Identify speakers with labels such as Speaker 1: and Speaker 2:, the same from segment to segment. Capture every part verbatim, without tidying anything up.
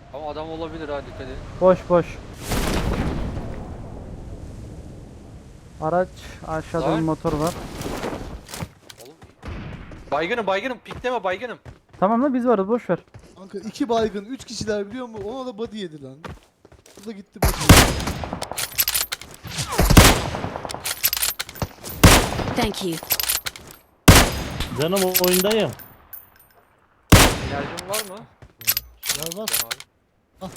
Speaker 1: Ama adam olabilir ha, dikkat edin.
Speaker 2: Boş boş. Araç aşağıda
Speaker 1: Lan.
Speaker 2: bir motor var.
Speaker 1: Oğlum. Baygınım baygınım, pikleme baygınım.
Speaker 2: Tamam da biz varız, boş ver.
Speaker 3: Kanka iki baygın, üç kişiler biliyor musun? Ona da body yedi lan. Bu da gitti body yedi.
Speaker 4: Thank you.
Speaker 5: Canım o oyundayım.
Speaker 1: Enerjim var mı?
Speaker 3: Var var.
Speaker 1: Tamam.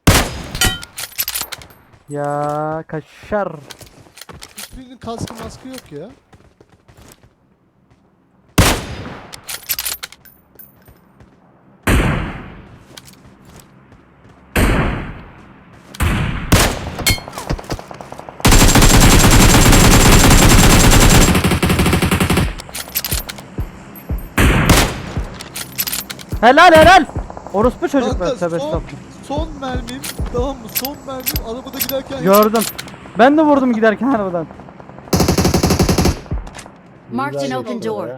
Speaker 2: Ya kaşar.
Speaker 3: Hiçbirinin kaskı maskı yok ya.
Speaker 2: Helal helal. Orospu çocuklar.
Speaker 3: Kanka
Speaker 2: Tövbe
Speaker 3: son,
Speaker 2: estağfurullah.
Speaker 3: son mermim, tamam mı? Son mermim arabada giderken...
Speaker 2: Gördüm. Ben de vurdum giderken arabadan.
Speaker 4: Marked an
Speaker 5: Güzel
Speaker 4: open
Speaker 5: geçiyor
Speaker 4: door.
Speaker 5: ya.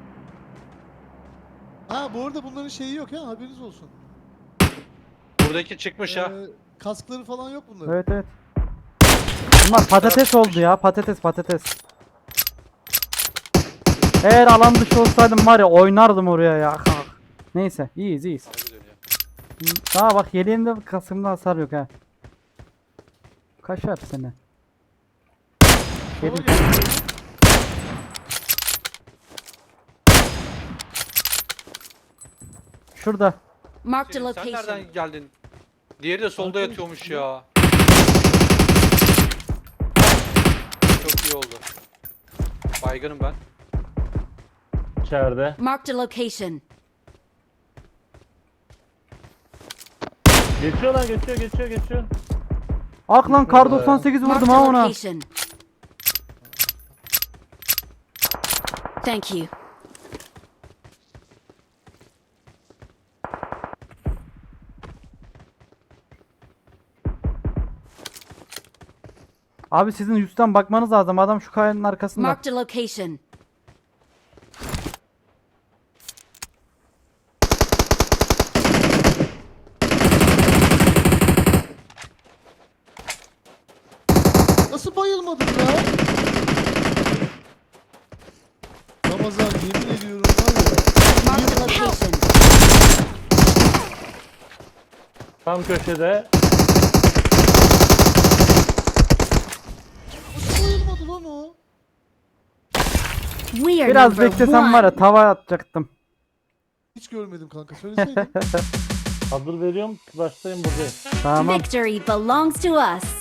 Speaker 3: Ha bu arada bunların şeyi yok ya, haberiniz olsun.
Speaker 1: Buradaki çıkmış ha.
Speaker 3: Ee, kaskları falan yok bunların.
Speaker 2: Evet evet. Bunlar patates oldu ya, patates patates. Eğer alan dışı olsaydım var ya, oynardım oraya ya. Neyse, iyiyiz iyiyiz.
Speaker 1: Harbi dönüyor.
Speaker 2: Daha bak, yeleğimde kasımda hasar yok ha. Kaşar seni.
Speaker 3: Sola
Speaker 2: Yedim.
Speaker 3: gel.
Speaker 2: Şurada.
Speaker 4: Marked a
Speaker 1: Sen
Speaker 4: location.
Speaker 1: nereden geldin? Diğeri de solda
Speaker 3: Arkadaş
Speaker 1: yatıyormuş
Speaker 3: ya.
Speaker 1: ya. Çok iyi oldu. Baygınım ben.
Speaker 5: İçeride.
Speaker 4: Marked a location.
Speaker 5: Geçiyor lan, geçiyor geçiyor geçiyor.
Speaker 2: Ak lan, kar doksan sekiz
Speaker 4: Marked
Speaker 2: vurdum
Speaker 4: a
Speaker 2: ha ona.
Speaker 4: location. Thank you.
Speaker 2: Abi sizin üstten bakmanız lazım. Adam şu kayanın arkasında.
Speaker 4: Marked a location.
Speaker 3: Nasıl bayılmadın ya? Ramazan yemin ediyorum var ya.
Speaker 4: Marked a location.
Speaker 5: Tam köşede.
Speaker 3: Nasıl bayılmadı lan o?
Speaker 4: We are
Speaker 2: Biraz
Speaker 4: number
Speaker 2: beklesem var ya,
Speaker 4: one.
Speaker 2: tava atacaktım.
Speaker 3: Hiç görmedim kanka, söyleseydin.
Speaker 5: Hazır veriyorum. Başlayın buradayım.
Speaker 2: Tamam.
Speaker 4: Victory belongs to us.